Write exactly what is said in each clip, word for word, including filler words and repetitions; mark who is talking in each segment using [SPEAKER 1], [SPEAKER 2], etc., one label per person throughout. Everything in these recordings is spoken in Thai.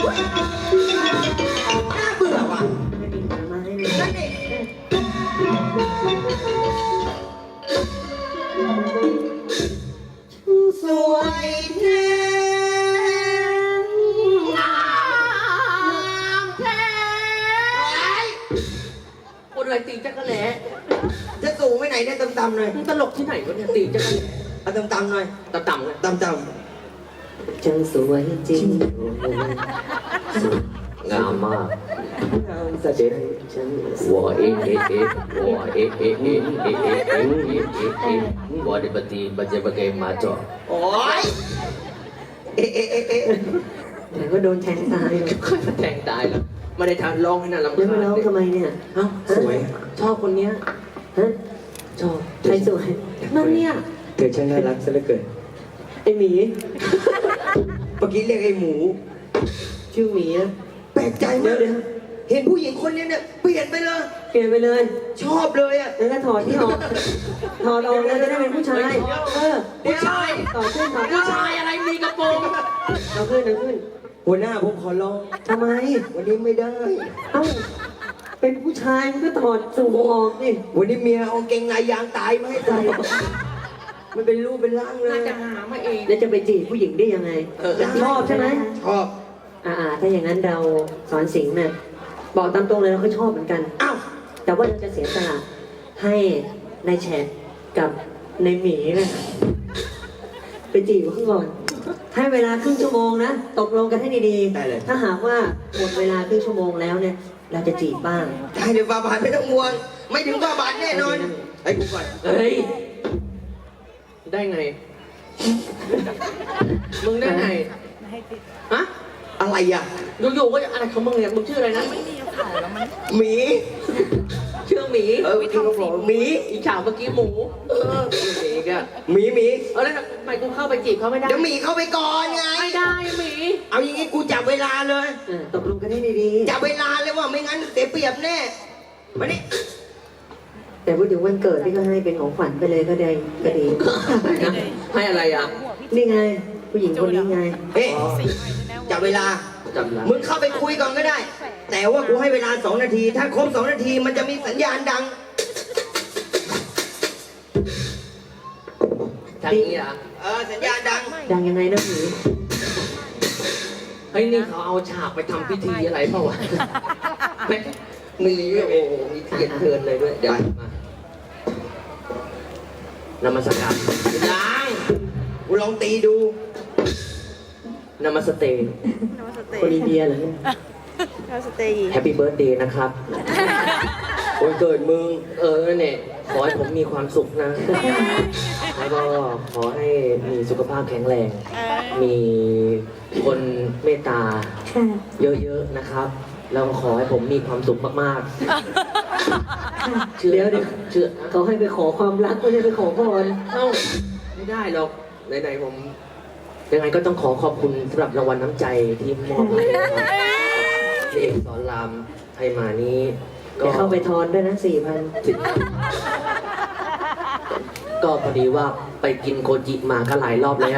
[SPEAKER 1] น่าเบื่อว่ะ
[SPEAKER 2] ไม่มีผลไม้เลย
[SPEAKER 1] นั่นเองสวยแท้งามแท้คนอะไรตีจักรแหล่จะสูงไปไหนเนี่ยต่ำๆหน่อยมึงตลกที่ไหนวะเนี่ยตีจักรแหล่เอาต่ำๆหน่อยต่ำๆเลยต่ำๆ
[SPEAKER 2] จังสวยจริง
[SPEAKER 3] งามมาก
[SPEAKER 2] งามสะเด็ดฉัน
[SPEAKER 3] วัวเอ๊ะเอ๊ะเอ๊ะวัวเอ๊ะเอ๊ะเอ๊ะเอ๊ะเอ๊ะเอ๊ะเอ๊ะเอ๊ะเอ๊ะวัวdi bati baca bagai macam
[SPEAKER 1] โอ๊ยเอ๊ะเอ๊ะเอ๊ะเอ๊ะ
[SPEAKER 2] แต่ก็โดนแทงตายเลย
[SPEAKER 3] ค่อยแทงตายแล้วไม่ได้ทำร้องให้น่ารำ
[SPEAKER 2] แล้ว
[SPEAKER 3] คา
[SPEAKER 2] มา
[SPEAKER 3] ญ
[SPEAKER 2] ร้องทำไมเนี่ย
[SPEAKER 3] เอ้าสวยชอบคนเนี้ย
[SPEAKER 2] ฮะ
[SPEAKER 3] ชอบ
[SPEAKER 2] ใครสวยนั่นเนี่ย
[SPEAKER 3] เธอช่างน่ารักซะเหลือเกิน
[SPEAKER 2] ไอหมี
[SPEAKER 1] เมื่อกี้เรียกไอ้หมู
[SPEAKER 2] ชื่อหมีนะ
[SPEAKER 1] แปลกใจ
[SPEAKER 2] เดี๋
[SPEAKER 1] มาย ก
[SPEAKER 2] วเดี๋ยว
[SPEAKER 1] เห็นผู้หญิงคนนี้เนี่ยเปลี่ยนไปเลย
[SPEAKER 2] เปลี่ยนไปเลย
[SPEAKER 1] ชอบเลยอ่ะ
[SPEAKER 2] แล้วก็ถอดที่ออกถอดออกเลยจะได้เป็นผู้ชายเออ
[SPEAKER 3] ผู้ชาย
[SPEAKER 2] ต่อขึ้นต่อขึ้
[SPEAKER 3] ผู้
[SPEAKER 2] น
[SPEAKER 3] ชายอะไรมีกระโปรง
[SPEAKER 2] ต่อขึ้นต่อขึ้น
[SPEAKER 1] หัวหน้าผมขอร้อง
[SPEAKER 2] ทำไม
[SPEAKER 1] วันนี้ไม่ได้
[SPEAKER 2] เอ้าเป็นผู้ชายมันก็ถอดสูงออกดิ
[SPEAKER 1] วันนี้เมียเอาเกงในยางตายมาให้ใส่มันเป็นรูปเป็นร่างเลย
[SPEAKER 3] น่าจะหามาเอง
[SPEAKER 2] แล้วจะไปจีบผู้หญิงได้ยังไงชอบใช่ไหม
[SPEAKER 1] ชอบ
[SPEAKER 2] อ่าๆถ้าอย่างนั้นเราสอนสิงห์เนี่ยบอกตามตรงเลยเราก็ชอบเหมือนกัน
[SPEAKER 1] อ้าว
[SPEAKER 2] แต่ว่าเราจะเสียสละให้นายแฉกกับนายหมีเนะไปจีบเขาก่อนให้เวลาครึ่งชั่วโมงนะตกลงกันให้ดีๆถ้าหากว่าหมดเวลาครึ่งชั่วโมงแล้วเนี่ย เราจะจีบบ้าง
[SPEAKER 1] ได้เดี๋ยวบาบานไม่ต้องห่วง ไม่ถึงบาบานแน่นอนไอ้กูก่อน
[SPEAKER 3] เฮ้ยได้ไงมึงได้ไงฮะ
[SPEAKER 1] อะไรอ่ะ
[SPEAKER 3] อยู่ๆก็อะไรของมึงเนี่ยมึงชื่ออะไรนะ
[SPEAKER 1] หมี
[SPEAKER 3] ชื่อหมี
[SPEAKER 1] เออที่เขาบอกหมี
[SPEAKER 3] อีฉาวเมื่อกี้หมูเออหมีก็
[SPEAKER 1] หมีหมี
[SPEAKER 3] เออแล้วทำไมกูเข้าไปจีบเขาไม่ได้
[SPEAKER 1] เดี๋ยวหมีเข้าไปก่อนไง
[SPEAKER 3] ไม่ได้หมี
[SPEAKER 1] เอาอย่างงี้กูจับเวลาเลย
[SPEAKER 2] เออตกลงกันให้ดี
[SPEAKER 1] จับเวลาเลยว่าไม่งั้นเสียเปรียบแน่มานี่
[SPEAKER 2] ๆแต่พูดถึงวันเกิดที่ก็ให้เป็นของขวัญไปเลยก็ได้ก็ดี
[SPEAKER 3] ให้อะไรอ่ะ
[SPEAKER 2] นี่ไง ผู้หญิงคนนี้ไง
[SPEAKER 1] เอ๊ะจับเวลา
[SPEAKER 3] จำได้
[SPEAKER 1] มึงเข้าไปคุยก่อนก็ได้ แต่ว่ากูให้เวลาสองนาที ถ้าครบสองนาทีมันจะมีสัญญาณดัง
[SPEAKER 3] ทางนี้อ่ะ
[SPEAKER 1] เออสัญญาณดัง
[SPEAKER 2] ดังยังไงนะหมี
[SPEAKER 3] เฮ้ยนี่เขาเอาฉากไปทำพิธีอะไรเปล่าวะไม่มีโอ้โหมีเทียนเทินเลยด้วยเดี๋ยวมานมัสการ
[SPEAKER 1] ยังกูลองตีดู
[SPEAKER 3] นมัสเตย์
[SPEAKER 2] คนอินเดียเหรอเนี่ย
[SPEAKER 3] แฮปปี้เบิร์ดเดย์นะครับ
[SPEAKER 1] วันเกิดมึง
[SPEAKER 3] เออเนี่ยขอให้ผมมีความสุขนะ แล้วก็ขอให้มีสุขภาพแข็งแรง มีคนเมตตา
[SPEAKER 2] ค่ะ
[SPEAKER 3] เยอะๆนะครับ แล้วก็ขอให้ผมมีความสุขมากๆ เชื่อ
[SPEAKER 2] เดี๋ยวเดี๋ยว
[SPEAKER 3] เชื่อ
[SPEAKER 2] เขาให้ไปขอความรักไม่ได้ไปขอพร
[SPEAKER 3] เอ้าไม่ได้หรอกไหนๆผมยังไงก็ต้องขอขอบคุณสำหรับรางวัลน้ำใจที่มอบให้นะครับที่เอกสอนรามให้มานี้ก็
[SPEAKER 2] เดี๋ยวเข้าไปทอนด้วยนะสี่พัน
[SPEAKER 3] ก็พอดีว่าไปกินโคจิมาก็หลายรอบแล้ว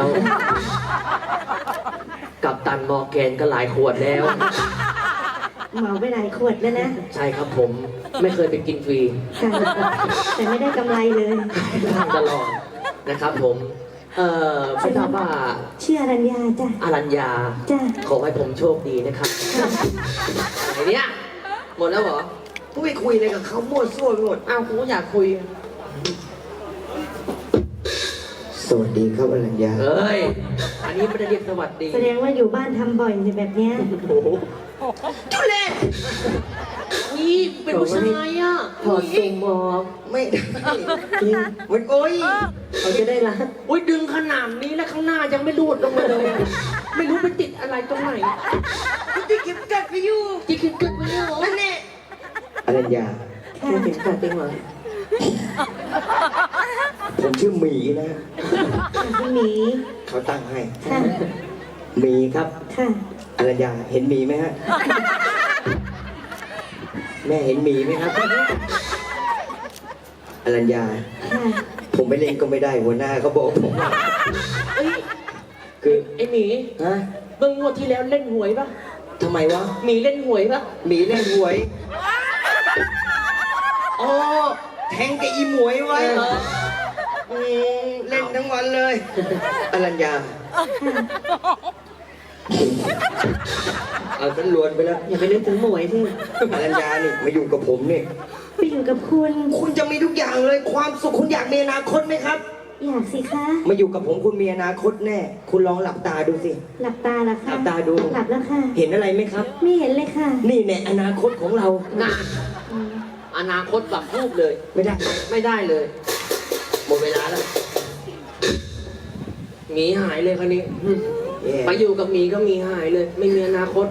[SPEAKER 3] กับตันมอร์แกนก็หลายขวดแล้ว
[SPEAKER 4] เหมาไปหลายขวดแล้วนะ
[SPEAKER 3] ใช่ครับผมไม่เคยไปกินฟรี
[SPEAKER 4] ค่ะแต่ไม่ได้กำไรเลย
[SPEAKER 3] ตลอดนะครับผม เอ่อไม่ทราบว่า
[SPEAKER 4] ชื่ออรัญญาจ้ะ
[SPEAKER 3] อารัญญา
[SPEAKER 4] จ้ะ
[SPEAKER 3] ขอให้ผมโชคดีนะครับไหนเนี่ยหมดแล้วเหรอ
[SPEAKER 1] กูไปคุยอะไรกับเขามั่วซั่วไปหมด
[SPEAKER 3] อ้าวกูก็อยากคุย
[SPEAKER 1] สวัสดีครับอรัญญา
[SPEAKER 3] เอ้ย อันนี้ไม่ได้เรียกสวัสดี
[SPEAKER 4] แสดงว่าอยู่บ้านทำบ่อยแบบเนี้ย
[SPEAKER 3] โอ้โห
[SPEAKER 1] ทุเรศ
[SPEAKER 3] นี่เป็นผู้ชายอ่ะ
[SPEAKER 2] ถอดสุ่มออก
[SPEAKER 1] ไม่ได้
[SPEAKER 2] จริง
[SPEAKER 1] มันโอ้ย
[SPEAKER 2] เขาจะได้รัก
[SPEAKER 3] อุ้ยดึงขนาดนี้แล้วข้างหน้ายังไม่รูดลงมาเลย ไม่รู้ไปติดอะไรตรงไหน
[SPEAKER 1] กูจะเก็บกัดไปอยู่
[SPEAKER 3] ที่คิดเกิดไปเนี่ยเหรอ
[SPEAKER 1] นั่นแน่อรัญญา
[SPEAKER 2] แค่ถึงกัดจริงเหรอ
[SPEAKER 1] ผมชื่อหมีนะ
[SPEAKER 4] พี่หมี
[SPEAKER 1] เขาตั้งให้
[SPEAKER 4] ค่ะ
[SPEAKER 1] หมีครับ
[SPEAKER 4] ค่ะ
[SPEAKER 1] อรัญญาเห็นหมีไหมฮะ แม่เห็นหมีไหมครับอรัญญา
[SPEAKER 4] ค่ะ
[SPEAKER 1] ผมไปเล่นก็ไม่ได้หัวหน้าเขาบอกผม
[SPEAKER 3] เอ้ย
[SPEAKER 1] คือ
[SPEAKER 3] ไอหมี
[SPEAKER 1] ฮะ
[SPEAKER 3] เมื่องวดที่แล้วเล่นหวยปะ
[SPEAKER 1] ททำไมวะ
[SPEAKER 3] มีเล่นหวยปะ
[SPEAKER 1] หมีเล่นหวย อ๋อ แทงกับอีหมวยไว้
[SPEAKER 3] เออ
[SPEAKER 1] อืมเล่นทั้งวันเลยอรัญญา เอาฉันลวนไปแล้ว
[SPEAKER 2] อย่าไปนึกถึงหมวยที่
[SPEAKER 1] อรัญญานี่มาอยู่กับผมนี่
[SPEAKER 4] ไปอยู่กับคุณ
[SPEAKER 1] คุณจะมีทุกอย่างเลยความสุขคุณอยากมีอนาคตไหมครับ
[SPEAKER 4] อยากสิคะ
[SPEAKER 1] มาอยู่กับผมคุณมีอนาคตแน่ คุณลองหลับตาดูสิ
[SPEAKER 4] หลับตาละค่ะ
[SPEAKER 1] หลับตาดู
[SPEAKER 4] หลับแล้วค่ะ
[SPEAKER 1] เห็นอะไรไหมครับ
[SPEAKER 4] ไม่เห็นเลยค่ะ
[SPEAKER 1] นี่แน่อนาคตของเรา
[SPEAKER 3] งานอนาคตแบบรูปเลย
[SPEAKER 1] ไม่ได้
[SPEAKER 3] ไม่ได้เลย หมดเวลาแล้วหมีหายเลยคราวนี้อืม
[SPEAKER 1] แย่
[SPEAKER 3] ไปอยู่กับหมีก็หมีหายเลย ไม่มีอนาคต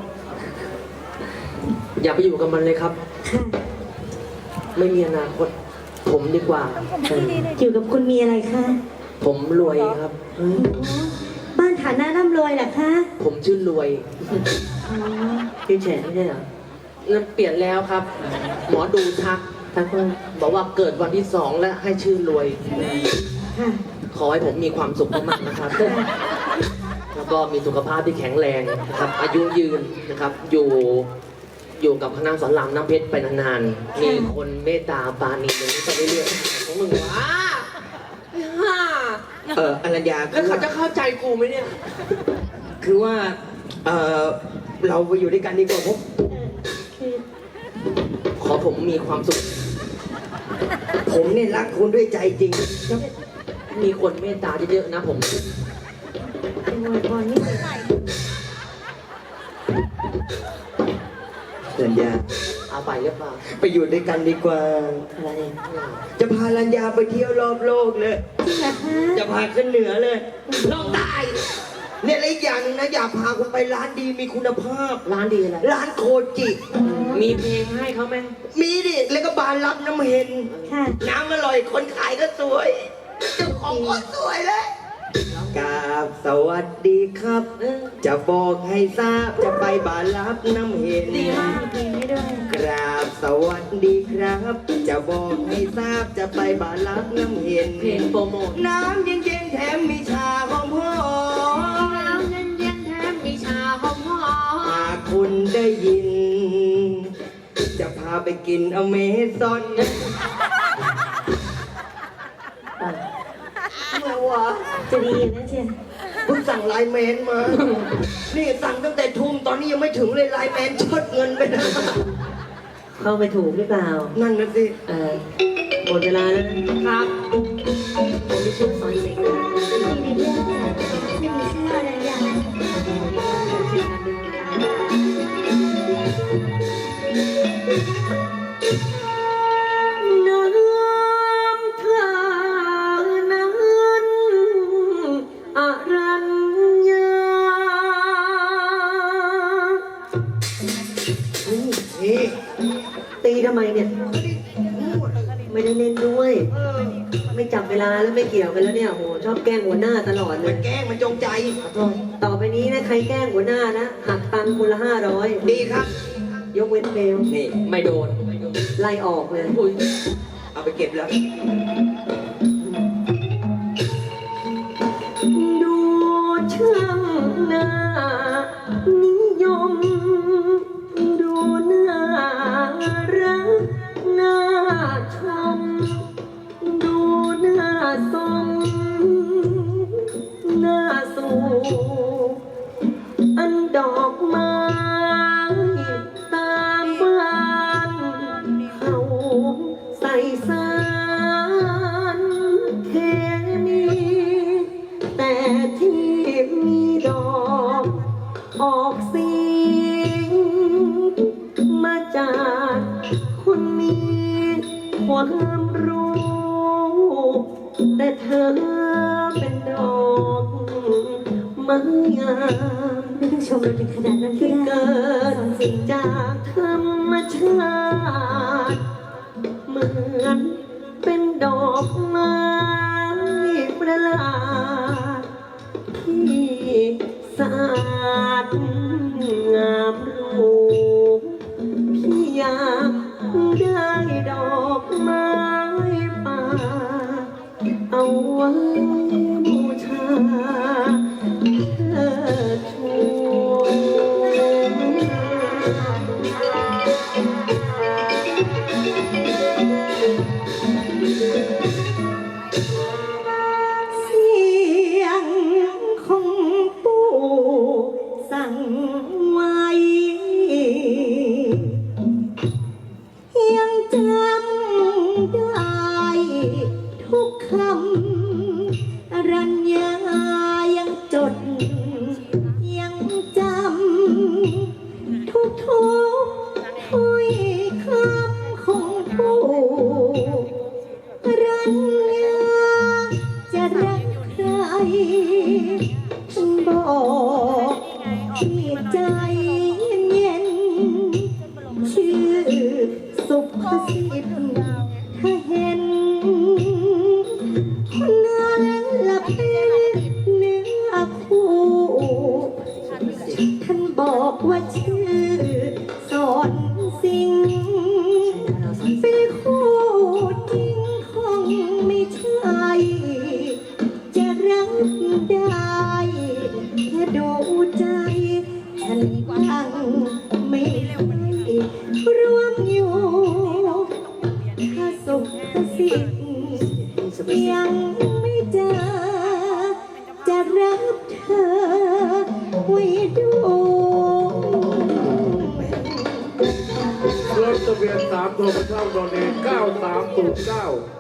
[SPEAKER 3] อย่าไปอยู่กับมันเลยครับ
[SPEAKER 4] ค่ะ
[SPEAKER 3] ไม่มีอนาคต ผมดีกว่า
[SPEAKER 4] อยู่กับคุณมีอะไรคะ
[SPEAKER 3] ผมรวยครับ
[SPEAKER 4] โอ้บ้านฐานะร่ำรวยเหรอคะ
[SPEAKER 3] ผมชื่อรวย
[SPEAKER 4] อ๋อ
[SPEAKER 2] พี่แฉไม่ใช่เหรอ
[SPEAKER 3] นั่นเปลี่ยนแล้วครับ หมอดูทักทักว่าบอกว่าเกิดวันที่สองแล้วให้ชื่อรวย
[SPEAKER 4] ค่ะ
[SPEAKER 3] ขอให้ผมมีความสุขมากๆนะครับ แล้วก็มีสุขภาพที่แข็งแรงนะครับ อายุยืนนะครับ อยู่ อยู่กับคณะสอนรามน้ำเพชรไปนานๆ มีคนเมตตาปราณีอย่างนี้ไปเรื่อยๆของมึงวะฮ่า
[SPEAKER 1] เอออรัญญา
[SPEAKER 3] แล้วเขาจะเข้าใจกูไหมเนี่ย
[SPEAKER 1] คือว่า เออเราไปอยู่ด้วยกันดีกว่าผม
[SPEAKER 4] คือ
[SPEAKER 3] ขอผมมีความสุข
[SPEAKER 1] ผมเนี่ยรักคุณด้วยใจจริง
[SPEAKER 3] มีคนเมตตาเยอะๆนะผม
[SPEAKER 4] เป็นมวยพรนี่เลย
[SPEAKER 1] อรัญญา
[SPEAKER 3] เอาไปหรือเปล่า
[SPEAKER 1] ไปอยู่ด้วยกันดีกว่า
[SPEAKER 2] อะไรเนี่ย
[SPEAKER 1] จะพาอรัญญาไปเที่ยวรอบโลกเลย
[SPEAKER 4] จริงเหรอคะ
[SPEAKER 1] จะพาขึ้นเหนือเลยลองได้เนี่ยและอีกอย่างหนึงนะอยากพาคุณไปร้านดีมีคุณภาพ
[SPEAKER 3] ร้านดีอะไร
[SPEAKER 1] ร้านโคจิ
[SPEAKER 3] มีเพลงให้เขาไหม
[SPEAKER 1] มีดิแล้วก็บานรับน้ำเห็น
[SPEAKER 4] ค่ะ
[SPEAKER 1] น้ำอร่อยคนขายก็สวยเจ้าของก็สวยเลยกราบสวัสดีครับ
[SPEAKER 3] เออ
[SPEAKER 1] จะบอกให้ทราบจะไปบานรับน้ำเห็น
[SPEAKER 3] ดีมาก
[SPEAKER 4] มีเพลงให้ด้วย
[SPEAKER 1] กราบสวัสดีครับ จะบอกให้ทราบจะไปบานรับน้ำเห็น
[SPEAKER 3] เพลงโปรโมท
[SPEAKER 1] น้ำเย็นๆแถมมีชาหอมหอม
[SPEAKER 3] น้ำเย็นๆแถมมีชาหอม
[SPEAKER 1] หากคุณได้ยิน จะพาไปกินอเมซอนเมื่อวะ
[SPEAKER 4] จะดีนะเชีย
[SPEAKER 1] เพิ่งสั่งไลน์แมนมา นี่สั่งตั้งแต่ทุ่มตอนนี้ยังไม่ถึงเลยไลน์แมนชดเงินไปนะ
[SPEAKER 2] เข้าไปถูกหรือเปล่า
[SPEAKER 1] นั่นนะสิ
[SPEAKER 2] เออหมดเวลาแล้วนะ
[SPEAKER 3] ๆครับ
[SPEAKER 2] ผมมีชื่อสอนสิงห์นะ
[SPEAKER 4] มีในเรื่องค่ะไม่มีชื่ออะไรอย่าง
[SPEAKER 2] ชื่อนันดึงน้ำท่านั้นอรัญญา
[SPEAKER 1] นี่
[SPEAKER 2] ตีทำไมเนี่ย ไม่ได้เล่นด้วย
[SPEAKER 1] เออ
[SPEAKER 2] ไม่จับเวลาแล้วไม่เกี่ยวกันแล้วเนี่ยโหชอบแกล้งหัวหน้าตลอดเล
[SPEAKER 1] มั
[SPEAKER 2] ย
[SPEAKER 1] นแกล้งมันจงใจ
[SPEAKER 2] ต่อไปนี้นะใครแกล้งหัวหน้านะหักตังค์คนละห้าร้อย
[SPEAKER 1] ดีครับ
[SPEAKER 2] ยกเว้นเบล
[SPEAKER 1] นี่
[SPEAKER 3] ไม่โดน
[SPEAKER 2] ไล่ออกเลย
[SPEAKER 3] อุ้ย
[SPEAKER 1] เอาไปเก็บแล้ว
[SPEAKER 2] ดูช่างหน้านิยม ดูน่ารักน่าชม ดูน่าสมน่าสู่อันดอกไม้ตามบ้านเขาใส่สารเคมีแต่ที่มีดอกออกสีมาจากคนมีความรู้ แต่เธอเป็นดอกไม้งาม
[SPEAKER 4] ไม่ต้องชมเราถึงขนาดนั้นก็
[SPEAKER 2] ที่
[SPEAKER 4] ได้
[SPEAKER 2] เกิด
[SPEAKER 4] สอนสิงห์
[SPEAKER 2] จากธรรมชาติ เหมือนเป็นดอกไม้ประหลาดที่สะอาดงามรูปพี่อยากได้ดอกไม้ป่า เอาไว้บูชาเธอชู
[SPEAKER 4] ได้แค่ดูใจฉันยังไม่ได้ร่วมอยู่ถ้าสุขสิทธิ์ยังไม่เจอจะรับเธอไว้ดู
[SPEAKER 5] รถทะเบียนสามตัวเช่าโดนเองเก้าสามศูนย์เก้า